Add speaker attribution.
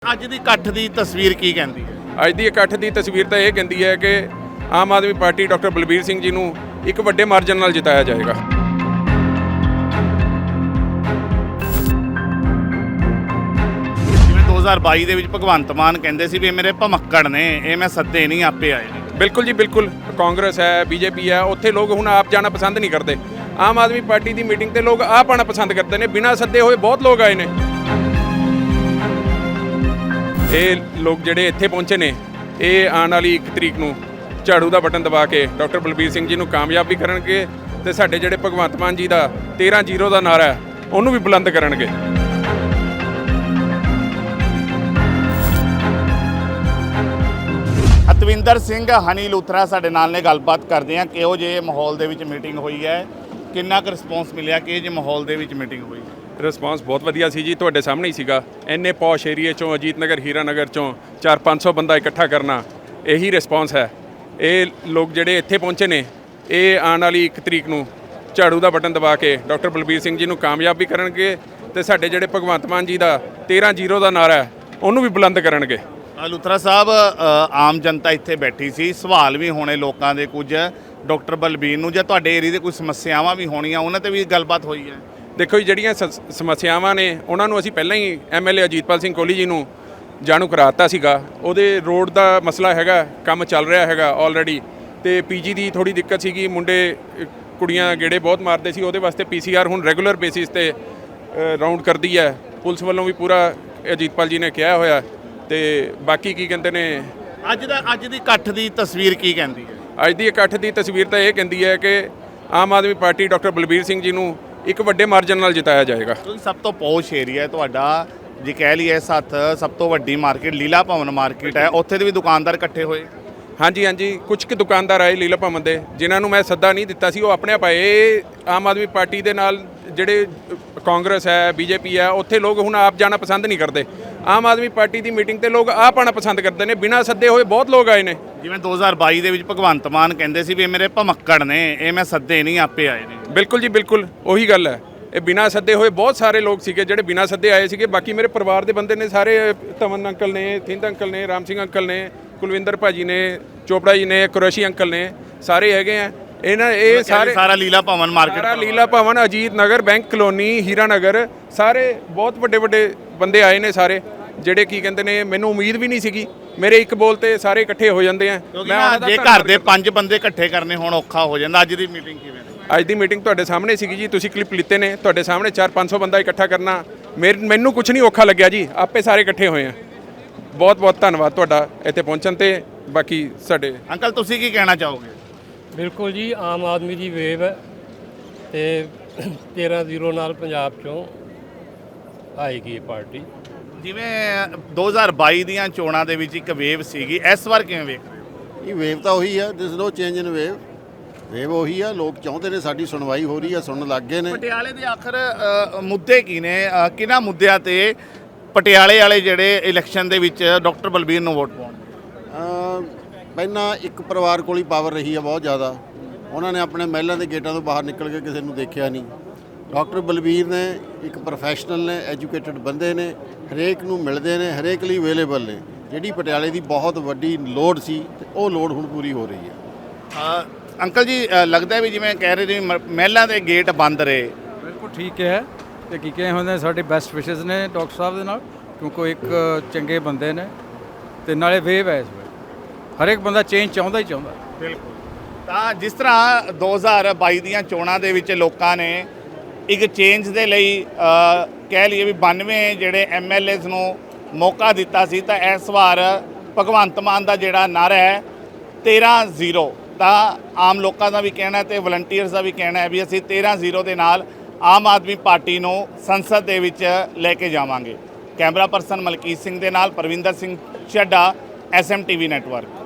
Speaker 1: ਅੱਜ ਦੀ ਇਕੱਠ ਦੀ ਤਸਵੀਰ ਕੀ ਕਹਿੰਦੀ ਹੈ?
Speaker 2: ਅੱਜ ਦੀ ਇਕੱਠ ਦੀ ਤਸਵੀਰ ਤਾਂ ਇਹ ਕਹਿੰਦੀ ਹੈ ਕਿ ਆਮ ਆਦਮੀ ਪਾਰਟੀ ਡਾਕਟਰ ਬਲਬੀਰ ਸਿੰਘ ਜੀ ਨੂੰ ਇੱਕ ਵੱਡੇ ਮਾਰਜਨ ਨਾਲ ਜਿਤਾਇਆ ਜਾਏਗਾ।
Speaker 1: ਜਿਵੇਂ 2022 ਦੇ ਵਿੱਚ ਭਗਵੰਤ ਮਾਨ ਕਹਿੰਦੇ ਸੀ ਵੀ ਇਹ ਮੇਰੇ ਭਮੱਕੜ ਨੇ, ਇਹ ਮੈਂ ਸੱਦੇ ਨਹੀਂ ਆਪੇ ਆਏ ਨੇ।
Speaker 2: ਬਿਲਕੁਲ ਜੀ ਬਿਲਕੁਲ। ਕਾਂਗਰਸ ਹੈ, ਬੀਜੇਪੀ ਹੈ, ਉੱਥੇ ਲੋਕ ਹੁਣ ਆਪ ਜਾਣਾ ਪਸੰਦ ਨਹੀਂ ਕਰਦੇ। ਆਮ ਆਦਮੀ ਪਾਰਟੀ ਦੀ ਮੀਟਿੰਗ ਤੇ ਲੋਕ ਆਪ ਆਉਣਾ ਪਸੰਦ ਕਰਦੇ ਨੇ। ਬਿਨਾਂ ਸੱਦੇ ਹੋਏ ਬਹੁਤ ਲੋਕ ਆਏ ਨੇ। ਇਹ ਲੋਕ ਜਿਹੜੇ ਇੱਥੇ ਪਹੁੰਚੇ ਨੇ, ਇਹ ਆਉਣ ਵਾਲੀ 1 ਤਰੀਕ ਨੂੰ ਝਾੜੂ ਦਾ ਬਟਨ ਦਬਾ ਕੇ ਡਾਕਟਰ ਬਲਬੀਰ ਸਿੰਘ ਜੀ ਨੂੰ ਕਾਮਯਾਬ ਵੀ ਕਰਨਗੇ ਤੇ ਸਾਡੇ ਜਿਹੜੇ ਭਗਵੰਤ ਮਾਨ ਜੀ ਦਾ 13-0 ਦਾ ਨਾਰਾ ਹੈ ਉਹਨੂੰ ਵੀ ਬੁਲੰਦ ਕਰਨਗੇ।
Speaker 1: ਅਤਵਿੰਦਰ ਸਿੰਘ ਹਨੀ ਲੂਥਰਾ ਸਾਡੇ ਨਾਲ ਨੇ, ਗੱਲਬਾਤ ਕਰਦੇ ਹਾਂ ਕਿਹੋ ਜਿਹੇ ਮਾਹੌਲ ਦੇ ਵਿੱਚ ਮੀਟਿੰਗ ਹੋਈ ਹੈ, ਕਿੰਨਾ ਕੁ ਰਿਸਪੌਂਸ ਮਿਲਿਆ, ਕਿਹੋ ਜਿਹੇ ਮਾਹੌਲ ਦੇ ਵਿੱਚ ਮੀਟਿੰਗ ਹੋਈ?
Speaker 2: ਰਿਸਪੌਂਸ ਬਹੁਤ ਵਧੀਆ ਸੀ ਜੀ, ਤੁਹਾਡੇ ਸਾਹਮਣੇ ਹੀ ਸੀਗਾ। ਇੰਨੇ ਪੌਸ਼ ਏਰੀਏ ਚੋਂ, ਅਜੀਤ ਨਗਰ, ਹੀਰਾ ਨਗਰ ਚੋਂ 400-500 ਬੰਦਾ ਇਕੱਠਾ ਕਰਨਾ, ਇਹੀ ਰਿਸਪੌਂਸ ਹੈ। ਇਹ ਲੋਕ ਜਿਹੜੇ ਇੱਥੇ ਪਹੁੰਚੇ ਨੇ, ਇਹ ਆਉਣ ਵਾਲੀ 1 ਤਰੀਕ ਨੂੰ ਝਾੜੂ ਦਾ ਬਟਨ ਦਬਾ ਕੇ ਡਾਕਟਰ ਬਲਬੀਰ ਸਿੰਘ ਜੀ ਨੂੰ ਕਾਮਯਾਬ ਵੀ ਕਰਨਗੇ ਤੇ ਸਾਡੇ ਜਿਹੜੇ ਭਗਵੰਤ ਮਾਨ ਜੀ ਦਾ 13-0 ਦਾ ਨਾਰਾ ਹੈ ਉਹਨੂੰ ਵੀ ਬੁਲੰਦ ਕਰਨਗੇ।
Speaker 1: ਲੂਥਰਾ ਸਾਹਿਬ, ਆਮ ਜਨਤਾ ਇੱਥੇ ਬੈਠੀ ਸੀ, ਸਵਾਲ ਵੀ ਹੋਣੇ ਲੋਕਾਂ ਦੇ ਕੁਝ ਡਾਕਟਰ ਬਲਬੀਰ ਨੂੰ, ਜਾਂ ਤੁਹਾਡੇ ਏਰੀਏ ਦੇ ਕੋਈ ਸਮੱਸਿਆਵਾਂ ਵੀ ਹੋਣੀਆਂ, ਉਹਨਾਂ ਤੇ ਵੀ ਗੱਲਬਾਤ ਹੋਈ ਹੈ?
Speaker 2: ਦੇਖੋ ਜੀ, ਜਿਹੜੀਆਂ ਸਮੱਸਿਆਵਾਂ ਨੇ ਉਹਨਾਂ ਨੂੰ ਅਸੀਂ ਪਹਿਲਾਂ ਹੀ ਐਮਐਲਏ ਅਜੀਤਪਾਲ ਸਿੰਘ ਕੋਹਲੀ ਜੀ ਨੂੰ ਜਾਣੂ ਕਰਾਤਾ ਸੀਗਾ। ਉਹਦੇ ਰੋਡ ਦਾ ਮਸਲਾ ਹੈਗਾ, ਕੰਮ ਚੱਲ ਰਿਹਾ ਹੈਗਾ ਆਲਰੇਡੀ, ਤੇ ਪੀਜੀ ਦੀ ਥੋੜੀ ਦਿੱਕਤ ਸੀਗੀ, ਮੁੰਡੇ ਕੁੜੀਆਂ ਗੇੜੇ ਬਹੁਤ ਮਾਰਦੇ ਸੀ, ਉਹਦੇ ਵਾਸਤੇ ਪੀਸੀਆਰ ਹੁਣ ਰੈਗੂਲਰ ਬੇਸਿਸ ਤੇ ਰਾਉਂਡ ਕਰਦੀ ਹੈ। ਪੁਲਿਸ ਵੱਲੋਂ ਵੀ ਪੂਰਾ ਅਜੀਤਪਾਲ ਜੀ ਨੇ ਕਿਹਾ ਹੋਇਆ। ਤੇ ਬਾਕੀ ਕੀ ਕਹਿੰਦੇ ਨੇ,
Speaker 1: ਅੱਜ ਦੀ ਇਕੱਠ ਦੀ ਤਸਵੀਰ ਕੀ ਕਹਿੰਦੀ ਹੈ?
Speaker 2: ਅੱਜ ਦੀ ਇਕੱਠ ਦੀ ਤਸਵੀਰ ਤਾਂ ਇਹ ਕਹਿੰਦੀ ਹੈ ਕਿ ਆਮ ਆਦਮੀ ਪਾਰਟੀ ਡਾਕਟਰ ਬਲਬੀਰ ਸਿੰਘ ਜੀ ਨੂੰ ਇੱਕ ਵੱਡੇ ਮਾਰਜਨ ਨਾਲ ਜਿਤਾਇਆ ਜਾਏਗਾ।
Speaker 1: ਕਿਉਂਕਿ ਸਭ ਤੋਂ ਪੌਸ਼ ਏਰੀਆ ਹੈ ਤੁਹਾਡਾ, ਜੇ ਕਹਿ ਲਈਏ ਸਭ ਤੋਂ ਵੱਡੀ ਮਾਰਕੀਟ ਲੀਲਾ ਭਵਨ ਮਾਰਕੀਟ ਹੈ, ਉੱਥੇ ਦੇ ਵੀ ਦੁਕਾਨਦਾਰ ਇਕੱਠੇ ਹੋਏ।
Speaker 2: ਹਾਂਜੀ, ਕੁਝ ਕੁ ਦੁਕਾਨਦਾਰ ਆਏ ਲੀਲਾ ਭਵਨ ਦੇ, ਜਿਨ੍ਹਾਂ ਨੂੰ ਮੈਂ ਸੱਦਾ ਨਹੀਂ ਦਿੱਤਾ ਸੀ, ਉਹ ਆਪਣੇ ਆਪ ਆਏ। ਆਮ ਆਦਮੀ ਪਾਰਟੀ ਦੇ ਨਾਲ ਜਿਹੜੇ ਕਾਂਗਰਸ ਹੈ, ਬੀਜੇਪੀ ਹੈ, ਉੱਥੇ ਲੋਕ ਹੁਣ ਆਪ ਜਾਣਾ ਪਸੰਦ ਨਹੀਂ ਕਰਦੇ। ਆਮ ਆਦਮੀ ਪਾਰਟੀ ਦੀ ਮੀਟਿੰਗ ਤੇ ਲੋਕ ਆਪ ਆਉਣਾ ਪਸੰਦ ਕਰਦੇ ਨੇ। ਬਿਨਾਂ ਸੱਦੇ ਹੋਏ ਬਹੁਤ ਲੋਕ ਆਏ ਨੇ।
Speaker 1: ਜਿਵੇਂ 2022 ਦੇ ਵਿੱਚ ਭਗਵੰਤ ਮਾਨ ਕਹਿੰਦੇ ਸੀ ਵੀ ਇਹ ਮੇਰੇ ਭਮੱਕੜ ਨੇ, ਇਹ ਮੈਂ ਸੱਦੇ ਨਹੀਂ ਆਪੇ ਆਏ ਨੇ।
Speaker 2: ਬਿਲਕੁਲ ਜੀ ਬਿਲਕੁਲ, ਉਹੀ ਗੱਲ ਹੈ। ਇਹ ਬਿਨਾਂ ਸੱਦੇ ਹੋਏ ਬਹੁਤ ਸਾਰੇ ਲੋਕ ਸੀਗੇ ਜਿਹੜੇ ਬਿਨਾਂ ਸੱਦੇ ਆਏ ਸੀਗੇ। ਬਾਕੀ ਮੇਰੇ ਪਰਿਵਾਰ ਦੇ ਬੰਦੇ ਨੇ ਸਾਰੇ, ਤਮਨ ਅੰਕਲ ਨੇ, ਥਿੰਦ ਅੰਕਲ ਨੇ, ਰਾਮ ਸਿੰਘ ਅੰਕਲ ਨੇ, ਕੁਲਵਿੰਦਰ ਭਾਜੀ ਨੇ, ਚੋਪੜਾ ਜੀ ਨੇ, ਕੁਰੈਸ਼ੀ ਅੰਕਲ ਨੇ, ਸਾਰੇ ਹੈਗੇ ਆ। ਇਹ
Speaker 1: ਸਾਰਾ ਲੀਲਾ ਭਵਨ ਮਾਰਕੀਟ,
Speaker 2: ਸਾਰਾ ਲੀਲਾ ਭਵਨ, ਅਜੀਤ ਨਗਰ, ਬੈਂਕ ਕਲੋਨੀ, ਹੀਰਾ ਨਗਰ, ਸਾਰੇ ਬਹੁਤ ਵੱਡੇ ਬੰਦੇ ਆਏ ਨੇ ਸਾਰੇ, ਜਿਹੜੇ ਕੀ ਕਹਿੰਦੇ ਨੇ, ਮੈਨੂੰ ਉਮੀਦ ਵੀ ਨਹੀਂ ਸੀਗੀ। ਮੇਰੇ ਇੱਕ ਬੋਲ ਤੇ ਸਾਰੇ ਇਕੱਠੇ ਹੋ ਜਾਂਦੇ ਆ।
Speaker 1: ਜੇ ਘਰ ਦੇ 5 ਬੰਦੇ ਇਕੱਠੇ ਕਰਨੇ ਹੁਣ ਔਖਾ ਹੋ ਜਾਂਦਾ। ਅੱਜ ਦੀ ਮੀਟਿੰਗ ਕਿਵੇਂ?
Speaker 2: ਅੱਜ ਦੀ ਮੀਟਿੰਗ ਤੁਹਾਡੇ ਸਾਹਮਣੇ ਸੀਗੀ ਜੀ, ਤੁਸੀਂ ਕਲਿੱਪ ਲਿੱਤੇ ਨੇ। ਤੁਹਾਡੇ ਸਾਹਮਣੇ 400-500 ਬੰਦਾ ਇਕੱਠਾ ਕਰਨਾ ਮੈਨੂੰ ਕੁਝ ਨਹੀਂ ਔਖਾ ਲੱਗਿਆ ਜੀ, ਆਪੇ ਸਾਰੇ ਇਕੱਠੇ ਹੋਏ ਆ। ਬਹੁਤ ਧੰਨਵਾਦ ਤੁਹਾਡਾ ਇੱਥੇ ਪਹੁੰਚਣ ਤੇ। ਬਾਕੀ ਸਾਡੇ
Speaker 1: ਅੰਕਲ, ਤੁਸੀਂ ਕੀ ਕਹਿਣਾ ਚਾਹੋਗੇ?
Speaker 3: ਬਿਲਕੁਲ ਜੀ, ਆਮ ਆਦਮੀ ਦੀ ਵੇਵ ਹੈ ਤੇ 13-0 ਨਾਲ ਪੰਜਾਬ ਚੋਂ ਆਏਗੀ ਇਹ ਪਾਰਟੀ।
Speaker 1: ਜਿਵੇਂ 2022 ਦੀਆਂ ਚੋਣਾਂ ਦੇ ਵਿੱਚ ਇੱਕ ਵੇਵ ਸੀਗੀ, ਇਸ ਵਾਰ ਕਿਵੇਂ ਵੇਖ ਰਹੇ ਹੋ?
Speaker 4: ਇਹ ਵੇਵ ਤਾਂ ਉਹੀ ਆ, ਦਿਸ ਨੋ ਚੇਂਜ ਇਨ ਵੇਵ ਉਹੀ ਆ। ਲੋਕ ਚਾਹੁੰਦੇ ਨੇ, ਸਾਡੀ ਸੁਣਵਾਈ ਹੋ ਰਹੀ ਆ, ਸੁਣਨ ਲੱਗ ਗਏ ਨੇ।
Speaker 1: ਪਟਿਆਲੇ ਦੇ ਆਖਰ ਮੁੱਦੇ ਕੀ ਨੇ? ਕਿਹਨਾਂ ਮੁੱਦਿਆਂ ਤੇ ਪਟਿਆਲੇ ਵਾਲੇ ਜਿਹੜੇ ਇਲੈਕਸ਼ਨ ਦੇ ਵਿੱਚ ਡਾਕਟਰ ਬਲਬੀਰ ਨੂੰ ਵੋਟ ਪਾਉਣਗੇ?
Speaker 4: ਪਹਿਲਾਂ ਇੱਕ ਪਰਿਵਾਰ ਕੋਲ ਹੀ ਪਾਵਰ ਰਹੀ ਆ ਬਹੁਤ ਜ਼ਿਆਦਾ। ਉਹਨਾਂ ਨੇ ਆਪਣੇ ਮਹਿਲਾਂ ਦੇ ਗੇਟਾਂ ਤੋਂ ਬਾਹਰ ਨਿਕਲ ਕੇ ਕਿਸੇ ਨੂੰ ਦੇਖਿਆ ਨਹੀਂ। ਡਾਕਟਰ ਬਲਬੀਰ ਨੇ ਇੱਕ ਪ੍ਰੋਫੈਸ਼ਨਲ ਨੇ, ਐਜੂਕੇਟਡ ਬੰਦੇ ਨੇ, ਹਰੇਕ ਨੂੰ ਮਿਲਦੇ ਨੇ, ਹਰੇਕ ਲਈ ਅਵੇਲੇਬਲ ਨੇ। ਜਿਹੜੀ ਪਟਿਆਲੇ ਦੀ ਬਹੁਤ ਵੱਡੀ ਲੋੜ ਸੀ, ਉਹ ਲੋੜ ਹੁਣ ਪੂਰੀ ਹੋ ਰਹੀ ਹੈ।
Speaker 1: ਅੰਕਲ ਜੀ, ਲੱਗਦਾ ਵੀ ਜਿਵੇਂ ਕਹਿ ਰਹੇ ਜੀ ਮਹਿਲਾਂ ਦੇ ਗੇਟ ਬੰਦ ਰਹੇ।
Speaker 5: ਬਿਲਕੁਲ ਠੀਕ ਹੈ। ਤੇ ਕੀ ਕਹੇ ਹੁੰਦੇ, ਸਾਡੇ ਬੈਸਟ ਵਿਸ਼ੇਸ ਨੇ ਡਾਕਟਰ ਸਾਹਿਬ ਦੇ ਨਾਲ, ਕਿਉਂਕਿ ਉਹ ਇੱਕ ਚੰਗੇ ਬੰਦੇ ਨੇ ਤੇ ਨਾਲੇ ਵੇਵ ਹੈ ਇਸ ਵੇਲੇ। ਹਰੇਕ ਬੰਦਾ ਚੇਂਜ ਚਾਹੁੰਦਾ ਹੀ ਚਾਹੁੰਦਾ।
Speaker 1: ਬਿਲਕੁਲ। ਤਾਂ ਜਿਸ ਤਰ੍ਹਾਂ 2022 ਦੀਆਂ ਚੋਣਾਂ ਦੇ ਵਿੱਚ ਲੋਕਾਂ ਨੇ ਇੱਕ ਚੇਂਜ ਦੇ ਲਈ ਕਹਿ ਲਈਏ ਵੀ 92 ਜਿਹੜੇ ਐਮਐਲਏਜ਼ ਨੂੰ ਮੌਕਾ ਦਿੱਤਾ ਸੀ, ਤਾਂ ਇਸ ਵਾਰ ਭਗਵੰਤ ਮਾਨ ਦਾ ਜਿਹੜਾ ਨਾਰਾ ਹੈ 13-0, ਤਾਂ ਆਮ ਲੋਕਾਂ ਦਾ ਵੀ ਕਹਿਣਾ ਤੇ ਵਲੰਟੀਅਰਸ ਦਾ ਵੀ ਕਹਿਣਾ ਹੈ ਵੀ ਅਸੀਂ 13-0 ਦੇ ਨਾਲ ਆਮ ਆਦਮੀ ਪਾਰਟੀ ਨੂੰ ਸੰਸਦ ਦੇ ਵਿੱਚ ਲੈ ਕੇ ਜਾਵਾਂਗੇ। ਕੈਮਰਾ ਪਰਸਨ ਮਲਕੀਤ ਸਿੰਘ ਦੇ ਨਾਲ ਪਰਵਿੰਦਰ ਸਿੰਘ ਚੱਡਾ, SMTV ਨੈਟਵਰਕ।